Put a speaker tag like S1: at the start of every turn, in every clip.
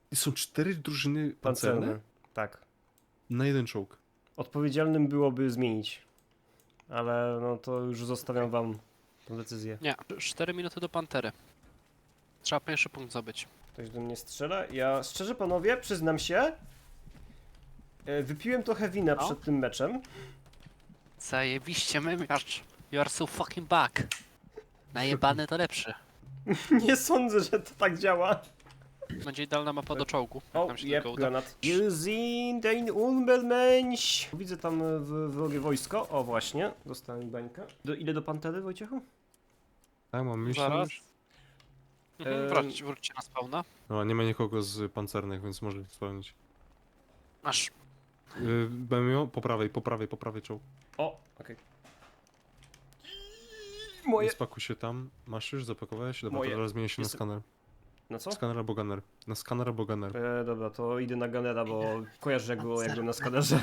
S1: I są 4 drużyny pancerne?
S2: Tak.
S1: Na jeden czołg.
S2: Odpowiedzialnym byłoby zmienić. Ale no to już zostawiam wam tę decyzję.
S3: Nie, 4 minuty do Pantery. Trzeba pierwszy punkt zdobyć.
S2: Ktoś do mnie strzela. Ja szczerze panowie, przyznam się, wypiłem trochę wina
S3: No.
S2: przed tym meczem.
S3: Zajebiście mymiarz. You are so fucking back. Najebany to lepszy.
S2: Nie sądzę, że to tak działa.
S3: Będzie idealna mapa do czołgu. jak
S2: O,
S3: nam się
S2: jeb,
S3: tylko uda.
S2: granat. Wir sind ein Unbelmensch. Widzę tam wrogie wojsko. O, właśnie. Dostałem bańkę. Ile do Pantery, Wojciechu?
S1: Tak, mam myśl.
S3: Zaraz.
S2: Em.
S3: Wróćcie na spawna.
S1: No, nie ma nikogo z pancernych, więc może spełnić.
S3: Masz.
S1: Będę miał po prawej czołg.
S2: O, okej. Moje...
S1: Spakuj się tam. Masz już? Zapakowałeś? Dobra,
S2: Moje.
S1: to teraz zmienię się na
S2: Jest-
S1: skaner.
S2: Na co?
S1: Skaner albo gunner. Na skaner albo gunner.
S2: Dobra, to idę na Gunnera, bo kojarzę jak go na skanerze.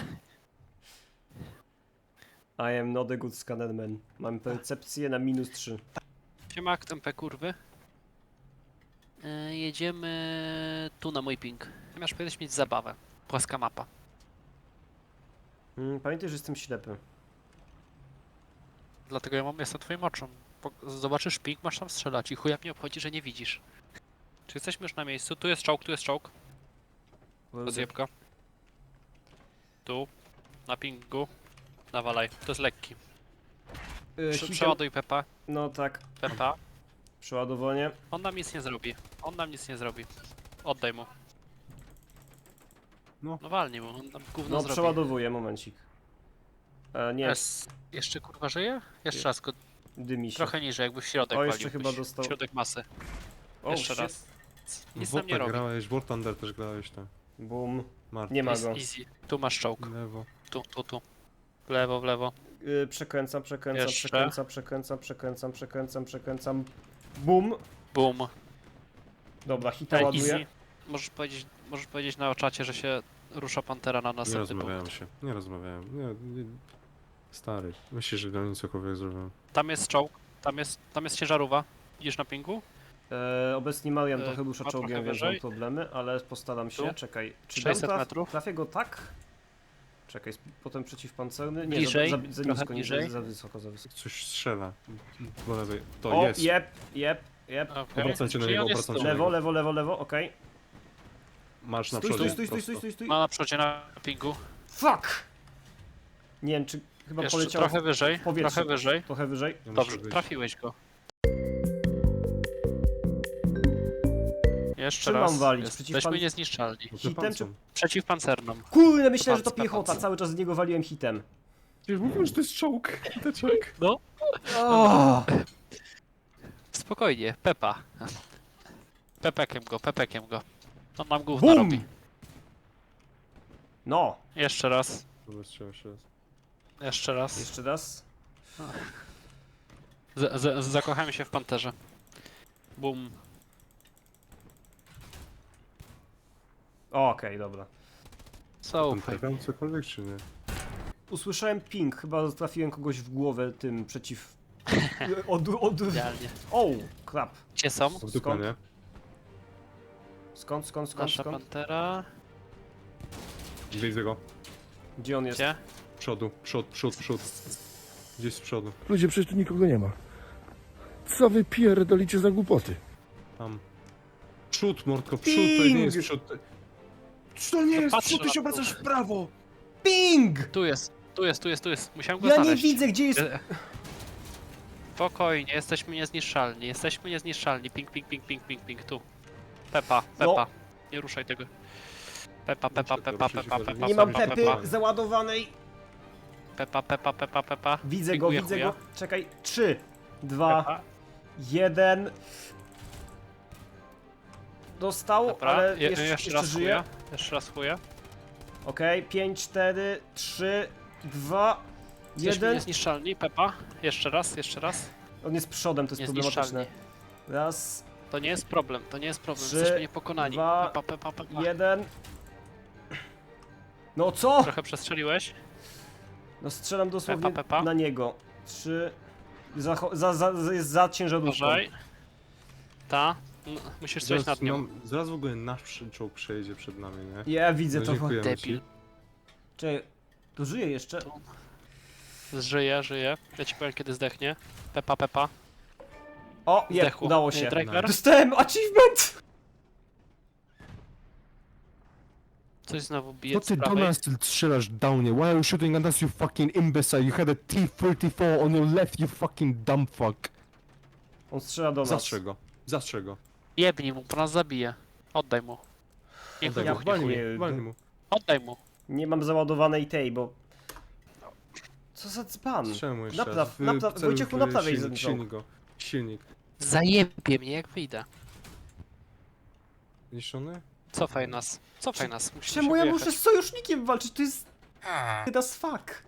S2: I am not a good scanner man. Mam percepcję na -3.
S3: Siema, jak tempę kurwy. Jedziemy tu na mój ping. Masz powinieneś mieć zabawę. Płaska mapa.
S2: Pamiętaj, że jestem ślepy.
S3: Dlatego jestem twoim oczem. Zobaczysz ping, masz tam strzelać i chuja mnie obchodzi, że nie widzisz. Czy jesteśmy już na miejscu? Tu jest czołg, tu jest czołg. Rozjebka. Tu. Na pingu. Nawalaj. To jest lekki. Przeładuj Pepa.
S2: No tak,
S3: Pepa.
S2: przeładowanie.
S3: On nam nic nie zrobi. On nam nic nie zrobi. Oddaj mu.
S1: No.
S3: No walnij mu, on nam gówno
S2: No
S3: zrobi.
S2: przeładowuję, momencik. Nie,
S3: Jeszcze kurwa żyje? Jeszcze raz go.
S2: dymi się.
S3: Trochę niżej, jakby w środek
S2: O, jeszcze
S3: waliłbyś.
S2: chyba dostał.
S3: Środek masy.
S2: O,
S3: Jeszcze
S2: shit.
S3: raz. Nic
S1: W
S3: nam nie
S1: Warta
S3: robi.
S1: grałeś, w War Thunder też grałeś, tak.
S2: Boom.
S1: Mark.
S2: Nie ma
S3: Jest
S2: go.
S3: easy. Tu masz czołg.
S1: Lewo.
S3: Tu. W lewo, w lewo.
S2: Przekręcam.
S3: Jeszcze.
S2: Przekręcam. Boom.
S3: Boom.
S2: Dobra, hita
S3: Easy.
S2: ładuję.
S3: Możesz powiedzieć na czacie, że się rusza Pantera na
S1: Nie
S3: następny
S1: rozmawiałem
S3: punkt.
S1: się. Nie rozmawiałem. Nie. Stary. Myślisz, że do mnie cokolwiek zrobiłem.
S3: Tam jest czołg. Tam jest ciężarówka. Idziesz na pingu?
S2: Obecnie Marian trochę
S3: ma
S2: rusza
S3: trochę
S2: czołgiem, więc
S3: wyżej.
S2: mam problemy, ale postaram się.
S3: Tu?
S2: Czekaj, czy
S3: 600
S2: dam
S3: metrów.
S2: trafię go tak? Czekaj, potem przeciwpancerny. Nie,
S3: Bliżej,
S2: za
S3: trochę
S2: nisko, nie,
S3: bliżej.
S2: za wysoko, za wysoko.
S1: Coś strzela. Po lewej. To
S2: O,
S1: jest.
S2: jep.
S3: Okay.
S1: Obracajcie na niego, obracajcie na niego.
S2: Lewo, okej.
S1: Masz na
S2: Stój,
S1: przodzie.
S2: stój.
S3: Ma na przodzie na pingu.
S2: Fuck! Nie wiem, czy chyba
S3: Jeszcze
S2: poleciał
S3: trochę wyżej.
S2: w powietrze.
S3: Trochę wyżej.
S2: Trochę wyżej.
S1: Ja muszę
S3: Dobrze,
S1: wyjść.
S3: trafiłeś go. Jeszcze
S2: Czym
S3: raz.
S2: mam walić?
S3: Jesteśmy niezniszczalni.
S1: No to
S2: Hitem
S1: pancą.
S2: czy...
S3: Przeciwpancerną.
S2: Kurde, myślałem, że to
S3: Pancer,
S2: piechota,
S3: pancer.
S2: cały czas z niego waliłem hitem.
S1: Przecież mówiłem, że to jest czołg. Teczek.
S3: No,
S2: Oh.
S3: spokojnie. Pepa. Pepekiem go. On nam gówno
S2: Bum!
S3: robi.
S2: No,
S3: Jeszcze raz.
S1: Dobra, strzela jeszcze raz.
S3: Jeszcze raz.
S2: jeszcze raz.
S3: Zakochałem się w panterze. Bum.
S2: Okej, dobra.
S3: So.
S1: Tam trafiam cokolwiek, czy nie?
S2: Usłyszałem ping, chyba trafiłem kogoś w głowę tym przeciw...
S3: Idealnie.
S2: O, krap.
S3: Gdzie są?
S1: W dupę, nie?
S2: Skąd?
S3: Nasza pantera.
S1: Widzę go.
S2: Gdzie on jest?
S3: Gdzie?
S1: Przód. Gdzieś z przodu.
S4: Ludzie, przecież tu nikogo nie ma. Co wy pierdolicie za głupoty?
S1: Tam. Przód, mordko, przód, to nie jest przód. To nie jest
S3: patrzę
S1: przód, ty
S3: na
S1: się
S3: to.
S1: obracasz w prawo!
S2: Ping!
S3: Tu jest. Musiałem go
S2: Ja nie
S3: znaleźć.
S2: widzę, gdzie jest...
S3: Spokojnie, jesteśmy niezniszczalni. Ping. Tu. Pepa.
S2: No.
S3: Nie ruszaj tego. Pepa.
S2: Nie mam pepy załadowanej.
S3: Pepa.
S2: Widzę go,
S3: Pikuję
S2: widzę
S3: chuja.
S2: go. Czekaj, 3, 2,
S3: Pepa.
S2: 1. Dostał,
S3: Dobra,
S2: ale
S3: jeszcze
S2: jeszcze
S3: raz
S2: żyje.
S3: chuja. Jeszcze raz chuja.
S2: Okej, 5, 4, 3, 2,
S3: Jesteśmy
S2: 1.
S3: niezniszczalni, Pepa. Jeszcze raz.
S2: On jest przodem, to jest problematyczne.
S3: Niezniszczalni.
S2: Raz,
S3: To nie jest problem.
S2: 3,
S3: Jesteśmy niepokonani.
S2: 2,
S3: Pepa.
S2: 1. No co?
S3: Trochę przestrzeliłeś.
S2: No strzelam dosłownie
S3: Pepa.
S2: na niego. 3. Jest za ciężarówką.
S3: Uważaj. Ta. No, musisz coś nad nią.
S1: Zaraz w ogóle nasz czołg przejedzie przed nami, nie?
S2: Ja widzę
S1: No,
S2: to.
S1: dziękujemy
S3: Debil.
S1: ci.
S2: Czekaj, to żyje jeszcze?
S3: Żyje, żyje. Ja ci powiem kiedy zdechnie. Pepa, pepa.
S2: O, je,
S3: Zdechło.
S2: udało się.
S3: Driver?
S2: Dostałem achievement!
S3: Coś znowu bije
S1: Co
S3: z
S1: ty do
S3: prawej.
S1: nas strzelasz, downie? Why are you shooting at us, you fucking imbecile? You had a T-34 on your left, you fucking dumb fuck.
S2: On strzela do nas.
S1: Zastrzel go. Zastrzel go.
S3: Jebnij mu, bo nas zabije. Oddaj mu. Niech
S1: Oddaj
S3: wybuchnie
S2: walnij
S3: chuj.
S2: mnie.
S1: Walnij mu.
S3: Oddaj mu.
S2: Nie mam załadowanej tej, bo... Co za dzban?
S1: Strzel mu jeszcze
S2: Napraw,
S1: raz.
S2: napraw,
S1: Celuj
S2: Wojciechu,
S1: w
S2: naprawiaj ten
S1: silnik,
S2: czołg.
S1: silnik go. Silnik.
S3: Zajebie mnie jak wyjdę.
S1: Niszczony?
S3: Cofaj nas. Cofaj nas. Musimy
S2: Czemu
S3: się
S2: ja
S3: wyjechać.
S2: muszę z sojusznikiem walczyć? To jest... Das fuck.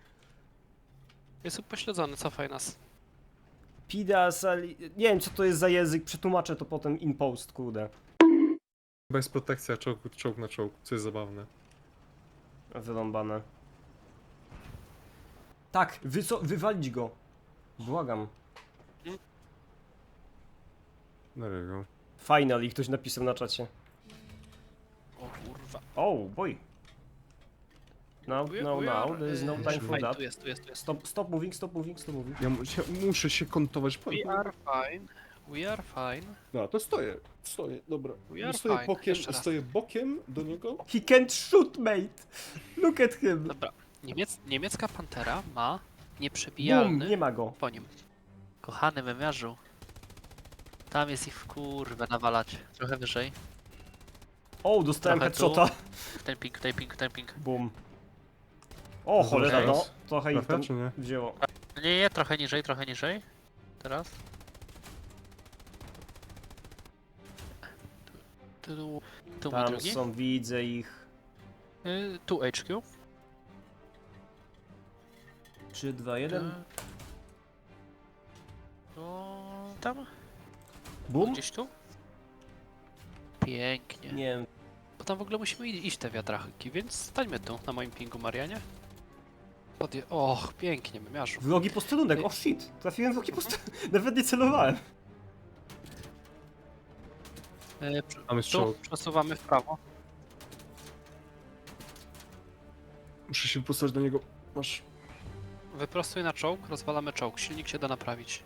S3: Jest upośledzony, cofaj nas.
S2: Pidas, ali... Nie wiem co to jest za język, przetłumaczę to potem in post, kurde.
S1: Chyba jest protekcja czołg na czołg, co jest zabawne.
S2: Wyrąbane. Tak, wywalić go. Błagam.
S1: There you go.
S2: Finally, ktoś napisał na czacie.
S3: O kurwa.
S2: Oh, boy. No, there is no time for
S3: Fine,
S2: that.
S3: tu jest, tu jest, tu jest.
S2: Stop moving, stop moving, stop moving.
S1: Ja muszę się kontować.
S3: We are fine. We are fine.
S1: No, to stoję, dobra.
S3: We are
S1: Stoję
S3: fine.
S1: bokiem,
S3: Jeszcze raz.
S1: stoję bokiem do niego.
S2: He can't shoot, mate. Look at him.
S3: Dobra. Niemiecka Pantera ma
S2: Boom,
S3: nieprzebijalny
S2: nie ma go.
S3: po nim. Kochany wymiarzu. Tam jest ich w kurwę nawalać. Trochę wyżej.
S2: O, dostałem
S3: Trochę tu.
S2: headshota.
S3: Ten ping.
S2: Boom. O, cholera, no.
S1: Teraz?
S2: Trochę ich
S1: Trafia,
S2: tam
S1: czy nie?
S2: wzięło.
S3: Nie, trochę niżej, trochę niżej. Teraz. Tu mój
S2: Tam
S3: drugi.
S2: są, widzę ich.
S3: Tu HQ.
S2: 3, 2, 1.
S3: Tam?
S2: Boom.
S3: Gdzieś tu? Pięknie.
S2: Nie wiem.
S3: Bo tam w ogóle musimy iść te wiatraki, więc stańmy tu, na moim pingu, Marianie. Och, pięknie, wymiarzu.
S2: Wrogi posterunek, o shit. Trafiłem w wrogi posterunek. Nawet nie celowałem.
S1: Tam jest
S3: Tu
S1: czołg.
S3: przesuwamy w prawo.
S1: Muszę się postać do niego. Masz.
S3: Wyprostuj na czołg, rozwalamy czołg. Silnik się da naprawić.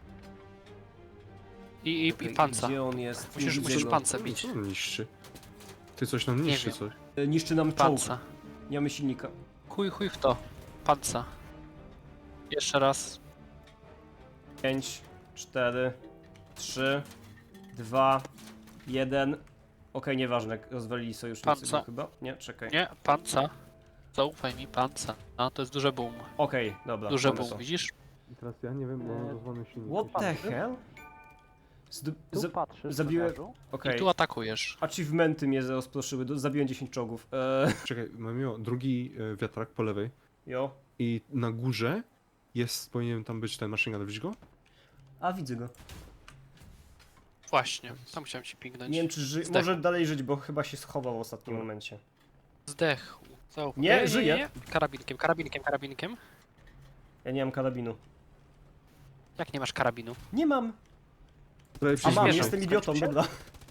S3: I
S2: Okej,
S3: panca.
S2: Gdzie on jest? Nie
S3: Musisz
S2: widzę go.
S3: pancę bić.
S1: Co on niszczy? Ty coś nam niszczy,
S3: wiem.
S1: coś.
S2: Niszczy nam czołg.
S3: Panca.
S2: Nie mamy silnika.
S3: Chuj w to. Panca. Jeszcze raz.
S2: 5, 4, 3, 2, 1. Okej, nieważne, rozwalili sojusznicy
S3: Panca.
S2: go chyba. Nie, czekaj.
S3: Nie, panca. Zaufaj mi, panca. No, to jest duże boom.
S2: Okej, dobra.
S3: Duże
S2: mamy
S3: boom,
S2: to.
S3: widzisz?
S1: I teraz ja nie wiem, bo mam rozwalony silnik.
S2: What the hell?
S3: patrzysz,
S2: zabiłem-
S3: I
S2: Okej.
S3: tu atakujesz.
S2: Achievementy mnie rozproszyły, zabiłem 10 czołgów.
S1: Czekaj, mam drugi wiatrak po lewej.
S2: Jo.
S1: I na górze powinien tam być ten machine gun, widzisz go?
S2: A, widzę go.
S3: Właśnie, tam chciałem ci pingnąć.
S2: Nie wiem, czy
S3: Zdechł.
S2: może dalej żyć, bo chyba się schował w ostatnim momencie.
S3: Zdechł. Zaufaj.
S2: Nie, żyje.
S3: Karabinkiem.
S2: Ja nie mam karabinu.
S3: Jak nie masz karabinu?
S2: Nie mam!
S1: Prawie
S2: A mam,
S3: Przyspieszam.
S2: jestem idiotą,
S3: Skończył się?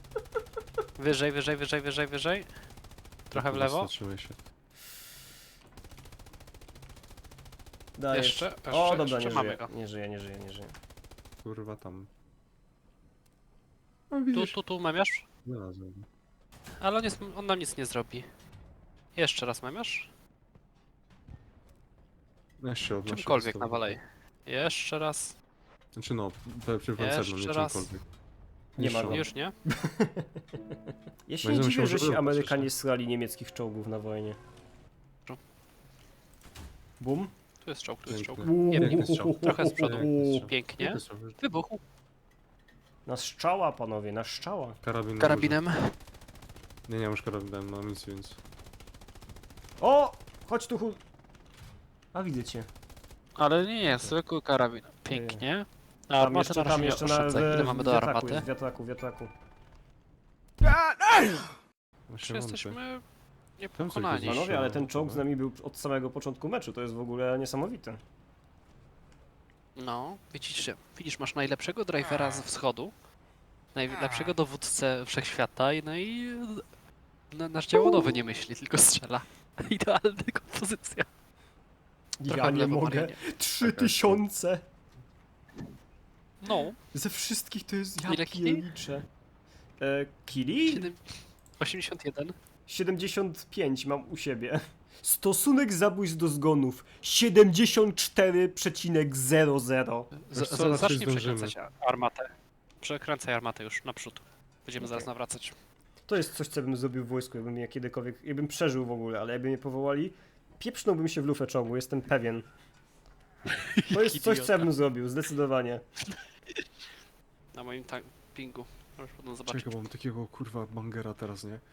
S2: dobra.
S3: Wyżej. Trochę w lewo.
S1: Zatrzymaj się.
S2: Dajesz.
S3: Jeszcze,
S2: O, dobra,
S3: jeszcze
S2: nie
S3: mamy
S2: żyje.
S3: go.
S2: Nie żyje.
S1: Kurwa tam. No
S3: Tu,
S1: widzisz?
S3: tu, memiasz?
S1: Znalazłem.
S3: Ale on nam nic nie zrobi. Jeszcze raz memiasz?
S1: No jeszcze odnoszę.
S3: Czymkolwiek
S1: podstawę.
S3: nawalej. Jeszcze raz.
S1: Znaczy no, przeciwpancerną, nie
S3: Jeszcze raz.
S1: czymkolwiek.
S2: Nie ma
S1: Niższą.
S2: go.
S3: Już nie?
S2: Ja się
S1: No i
S2: nie
S1: zamyślał,
S2: dziwię,
S1: że
S2: że się
S1: było
S2: Amerykanie
S1: przecież.
S2: srali niemieckich czołgów na wojnie. Bum.
S3: Tu jest czołg.
S1: Piękny.
S3: Nie wiem,
S1: Piękny strzał.
S3: trochę z przodu.
S1: Piękny strzał.
S3: Pięknie.
S1: Piękny strzał.
S3: Wybuchł.
S2: Na strzała, panowie, na strzała.
S1: Karabin na
S3: Karabinem.
S1: górze. Nie mam już karabinem, mam nic, więc...
S2: O! Chodź tu, A, widzę cię.
S3: Ale nie, zwykły karabin. Pięknie. A
S2: Tam
S3: armatę
S2: jeszcze,
S3: na razie
S2: tam jeszcze na
S3: oszczędzaj. Ile mamy do
S2: wiatraku,
S3: armaty?
S2: wiatraku.
S1: Właśnie
S3: Czy
S1: wątpię.
S3: jesteśmy
S1: coś
S3: niepokonani?
S1: jest.
S2: Panowie, ale ten czołg z nami był od samego początku meczu, to jest w ogóle niesamowite.
S3: No, widzisz, masz najlepszego drivera ze wschodu. najlepszego dowódcę wszechświata no i nasz działonowy nie myśli, tylko strzela. Idealna kompozycja.
S2: Ja
S3: Trochę w
S2: nie
S3: lewo,
S2: mogę.
S3: Marianie.
S2: 3000!
S3: No,
S2: Ze wszystkich to jest... Ja
S3: Ile kili?
S2: pierniczę. Kili?
S3: 81.
S2: 75 mam u siebie. Stosunek zabójstw do zgonów 74,00.
S1: Wiesz co, raczej
S3: Zacznij
S1: zdążymy.
S3: przekręcać armatę. Przekręcaj armatę już naprzód. Będziemy zaraz nawracać.
S2: To jest coś, co bym zrobił w wojsku, jakbym ja kiedykolwiek, jakbym przeżył w ogóle, ale jakby mnie powołali, pieprznąłbym się w lufę czołgu, jestem pewien. To jest coś, co ja bym zrobił, zdecydowanie.
S3: Na moim pingu. Możesz potem zobaczyć.
S1: Czekaj, mam takiego kurwa bangera teraz, nie?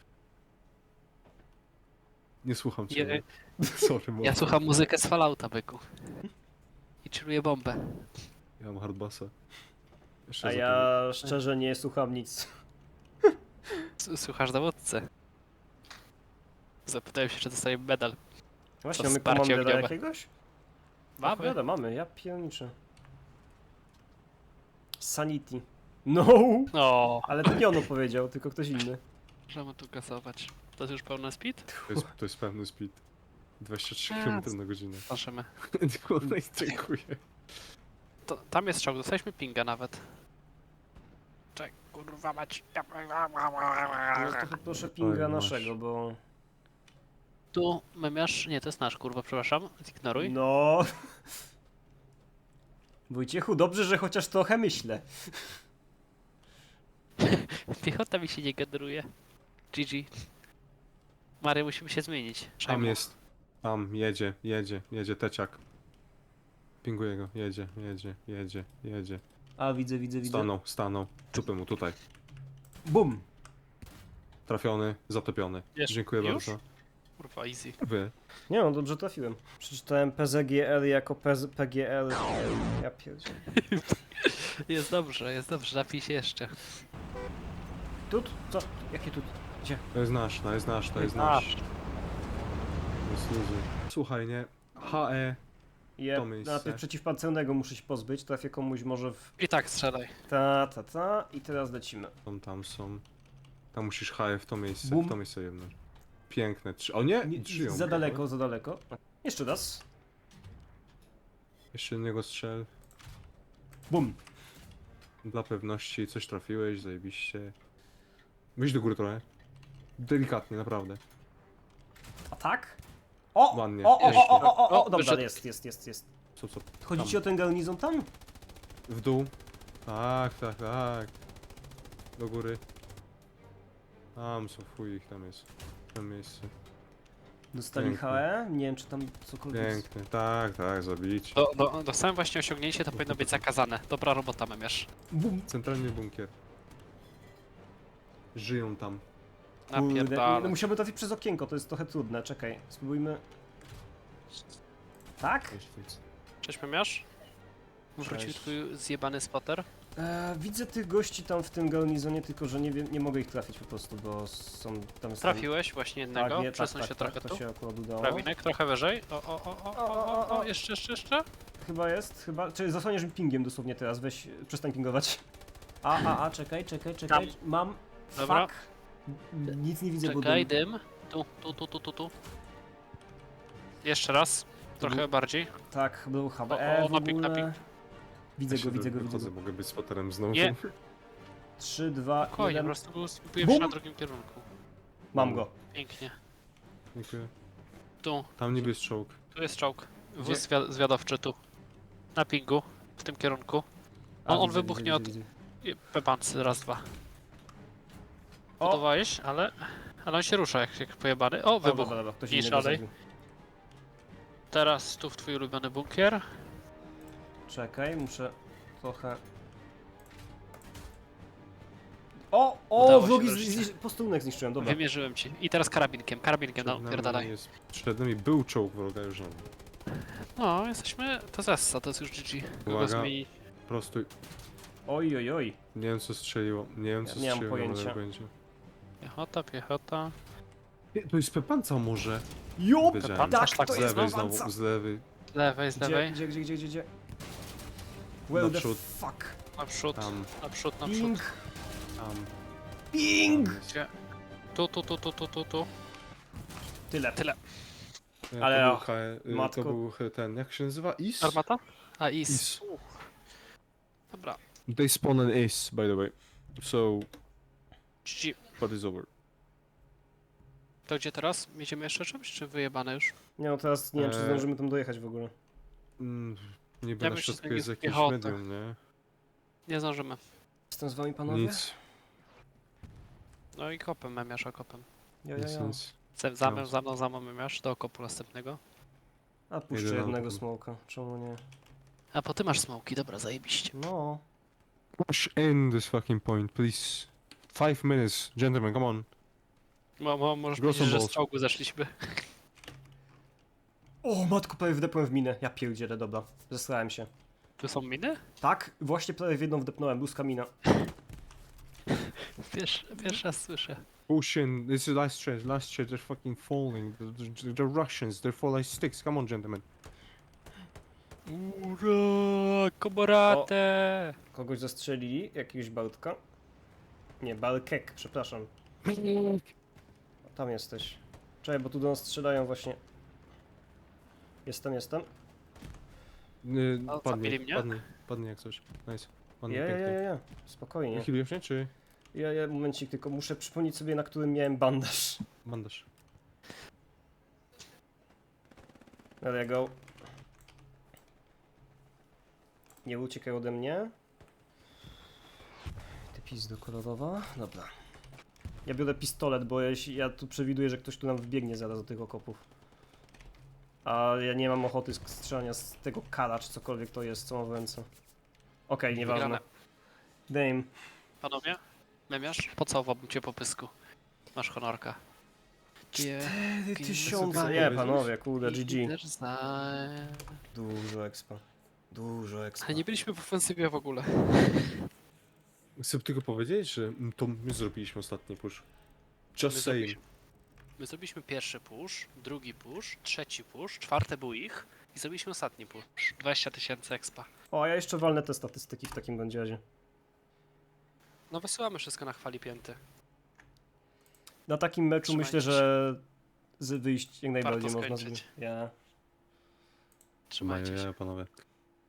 S1: Nie słucham cię.
S3: Je-
S1: Sorry,
S3: Ja słucham muzykę z Fallouta, byku. I czuję bombę.
S1: Ja mam hardbassa. Jeszcze
S2: A
S1: za
S2: ja szczerze nie słucham nic.
S3: Słuchasz dowódcę. Zapytałem się, czy dostaję medal.
S2: Właśnie,
S3: To
S2: mamy
S3: wsparcie
S2: komandera
S3: ogniowe.
S2: jakiegoś?
S3: Mamy.
S2: Opowiada, mamy, ja pierniczę. Sanity. No!
S3: O,
S2: Ale to nie on powiedział, tylko ktoś inny.
S3: możemy tu kasować. To jest już pełny speed?
S1: to jest pewny speed. 23
S3: A,
S1: km na godzinę.
S3: Zobaczymy.
S1: Kurwa, dziękuję.
S3: To, tam jest strzał, dostaliśmy pinga nawet. Czek, kurwa mać.
S2: No to proszę pinga
S1: Oj, masz.
S2: naszego, bo...
S3: Tu memiarz, nie to jest nasz kurwa, przepraszam, zignoruj.
S2: No... Wojciechu, dobrze, że chociaż trochę myślę.
S3: Piechota mi się nie generuje. GG. Mario, musimy się zmienić.
S1: Tam
S3: Szajmu.
S1: jest. Tam, jedzie teciak. Pinguję go, jedzie.
S2: A, widzę.
S1: Stanął. Czupy mu tutaj.
S2: Bum!
S1: Trafiony, zatopiony.
S3: Jeszcze?
S1: Dziękuję
S3: Już?
S1: bardzo.
S3: Kurwa, easy.
S1: Wy.
S2: Nie no, dobrze trafiłem. Przeczytałem PZGL jako PGL. Ja pierdzielę.
S3: Jest dobrze, napij się jeszcze.
S2: Tut? Co? Jakie tut? Gdzie?
S1: To jest nasz. To jest ludzie. Słuchaj, nie? HE.
S2: Je,
S1: To miejsce.
S2: najpierw przeciwpancernego muszę się pozbyć, trafię komuś może w...
S3: I tak strzelaj.
S2: Ta i teraz lecimy.
S1: Tam są. Tam musisz HE w to miejsce.
S2: Bum.
S1: W to miejsce jedno. Piękne. O nie! Żyją.
S2: Za daleko. Jeszcze raz.
S1: Jeszcze jednego strzel.
S2: Bum!
S1: Dla pewności coś trafiłeś, zajebiście. Wyjdź do góry trochę. Delikatnie, naprawdę.
S2: A tak? O!
S1: Ładnie.
S2: O, dobra,
S3: wyszedł.
S2: jest.
S1: Co?
S2: Chodzi ci o ten garnizon tam?
S1: W dół. Tak. Do góry. Tam są, chuj ich tam jest. W tym miejscu.
S2: Dostali
S1: Pięknie.
S2: HE? Nie wiem, czy tam cokolwiek...
S1: Piękne. Tak, zabić.
S3: Dostałem właśnie osiągnięcie, to powinno być zakazane. Dobra robota, memiarz.
S2: Bum!
S1: Centralny bunkier. Żyją tam.
S2: Kurde, no
S3: Napierdala.
S2: musiałbym trafić przez okienko, to jest trochę trudne, czekaj. Spróbujmy... Tak?
S3: Cześć, memiarz. Wrócił
S2: Cześć.
S3: twój zjebany spotter.
S2: Widzę tych gości tam w tym garnizonie, tylko że nie mogę ich trafić po prostu, bo są tam...
S3: Trafiłeś właśnie jednego,
S2: Tak, nie,
S3: przesuń się trochę
S2: to
S3: tu.
S2: się akurat udało.
S3: Prawinek, trochę wyżej. O, jeszcze.
S2: Chyba jest, Czyli zasłaniasz mi pingiem dosłownie teraz, weź, przestań pingować. Czekaj.
S3: Tam.
S2: Mam...
S3: Dobra.
S2: Fuck. Nic nie widzę,
S3: Czekaj,
S2: bo
S3: dym. Tu. Jeszcze raz. Trochę bardziej.
S2: Tak, był HBE w
S3: na ping,
S2: ogóle. Widzę
S1: Ja
S2: go,
S1: się
S2: widzę go.
S1: wychodzę, mogę być spoterem znowu.
S3: Nie.
S2: 3, 2,
S3: Spokojnie, po
S2: 1.
S3: prostu skupiłem
S2: Bum!
S3: się na drugim kierunku.
S2: Mam go.
S3: Pięknie.
S1: Dziękuję.
S3: Tu
S1: Tam niby jest czołg.
S3: Tu jest czołg.
S2: Gdzie?
S3: Wóz zwiadowczy tu. Na pingu. W tym kierunku. On
S2: Widzę,
S3: wybuchnie od
S2: widzę.
S3: pepancy. Raz, dwa.
S2: O!
S3: Budowałeś, ale on się rusza jak pojebany. O, wybuch.
S2: Dobra, ktoś
S3: Nie
S2: innego
S3: szalej.
S2: zrobił.
S3: Teraz tu w twój ulubiony bunkier.
S2: Czekaj, muszę trochę...
S3: Udało się
S2: wrogi
S3: wreszcie.
S2: posterunek zniszczyłem, dobra.
S3: Wymierzyłem ci. I teraz karabinkiem no, pierdalaj.
S1: Przed nami był czołg wroga, już nie ma.
S3: No, jesteśmy, to zessa, to jest już GG. Kogo
S1: Uwaga.
S3: zmieni?
S1: Prostuj.
S2: Oj.
S1: Nie wiem co strzeliło. Nie wiem co
S2: Ja nie mam
S1: strzeliło,
S2: pojęcia.
S1: ale pojęcia.
S3: Piechota.
S1: Nie, to jest pepanca może.
S2: Jup!
S1: Wiedziałem.
S3: Tak,
S2: Tak, to
S1: Z
S2: jest
S1: lewej
S2: pepanca.
S1: znowu, z lewej.
S3: Z lewej, z lewej.
S2: Gdzie? Well the
S1: Naprzód.
S2: fuck.
S3: Naprzód,
S1: Tam.
S3: naprzód.
S2: Ping. Ping!
S3: Gdzie? Tu.
S2: Tyle.
S1: Ale
S2: Ale
S1: to,
S2: och,
S1: to
S2: matko.
S1: był ten, jak się nazywa? Is?
S3: Armata? A, is.
S1: Is.
S3: Dobra.
S1: They spawn an Is, by the way. So,
S3: GG.
S1: what is over?
S3: To gdzie teraz? Jedziemy jeszcze czymś, czy wyjebane już?
S2: Nie no, teraz nie wiem, czy
S1: Eee.
S2: zdążymy tam dojechać w ogóle.
S1: Niby
S3: Ja
S1: na
S3: bym się
S1: środku
S3: z
S1: jest
S3: nimi
S1: jakieś
S3: wjechał,
S1: medium, nie?
S3: Nie zdążymy.
S2: Jestem z wami, panowie?
S1: Nic,
S3: No i kopem, memiarz, kopem.
S2: Ja.
S1: nic.
S3: Za mną memiarz, do okopu następnego.
S2: A puszczę
S1: Jedyną
S2: jednego
S1: taką.
S2: smoka, czemu nie?
S3: A po ty masz smoki, dobra, zajebiście.
S2: No.
S1: Push in this fucking point, please. 5 minutes, gentlemen, come on.
S3: Możesz
S1: Gross
S3: powiedzieć, że
S1: balls.
S3: z czołgu zeszliśmy.
S2: O, matko, prawie wdepłem w minę. Ja pierdzielę, dobra. Zesrałem się.
S3: Tu są miny?
S2: Tak, właśnie prawie w jedną wdepnąłem, luska mina.
S3: Pierwszy raz słyszę.
S1: Push in, this is last stretch, they're fucking falling. The Russians, they're fall like sticks, come on, gentlemen.
S3: Ura, koborate!
S2: Kogoś zastrzelili, jakiegoś Baltka. Nie, Balkek, przepraszam. O, tam jesteś. Czekaj, bo tu do nas strzelają właśnie. Jestem.
S3: A,
S1: Padnie,
S3: zabili mnie?
S1: padnie jak coś. Nice. Padnie
S2: Ja.
S1: pięknie.
S2: Spokojnie.
S1: Wychyliłeś mnie, czy
S2: Ja, momencik, tylko muszę przypomnieć sobie, na którym miałem bandaż.
S1: bandaż?
S2: There you go. Nie uciekaj ode mnie. Ty pizdo kolorowa. Dobra. Ja biorę pistolet, bo ja tu przewiduję, że ktoś tu nam wbiegnie zaraz do tych okopów. A ja nie mam ochoty strzelania z tego kala, czy cokolwiek to jest, co mam w ręce. Okej, nieważne.
S3: Wygrane.
S2: Dame.
S3: Panowie? Memiarz? Pocałowałbym cię po pysku. Masz honorka.
S2: 4000. Nie, panowie, kurde, GG.
S3: Ale
S2: Dużo expa. Dużo expa.
S3: nie byliśmy w ofensywie w ogóle.
S1: Chcę tylko powiedzieć, że to my zrobiliśmy ostatni push. Just saying.
S3: My zrobiliśmy pierwszy push, drugi push, trzeci push, czwarty był ich i zrobiliśmy ostatni push. 20 000 expa.
S2: O, a ja jeszcze walnę te statystyki w takim bądź razie.
S3: No wysyłamy wszystko na chwali pięty.
S2: Na takim meczu
S3: Trzymajcie
S2: myślę, że wyjść jak najbardziej
S3: Warto
S2: można.
S3: skończyć.
S2: Ja.
S3: Trzymajcie się.
S1: Panowie.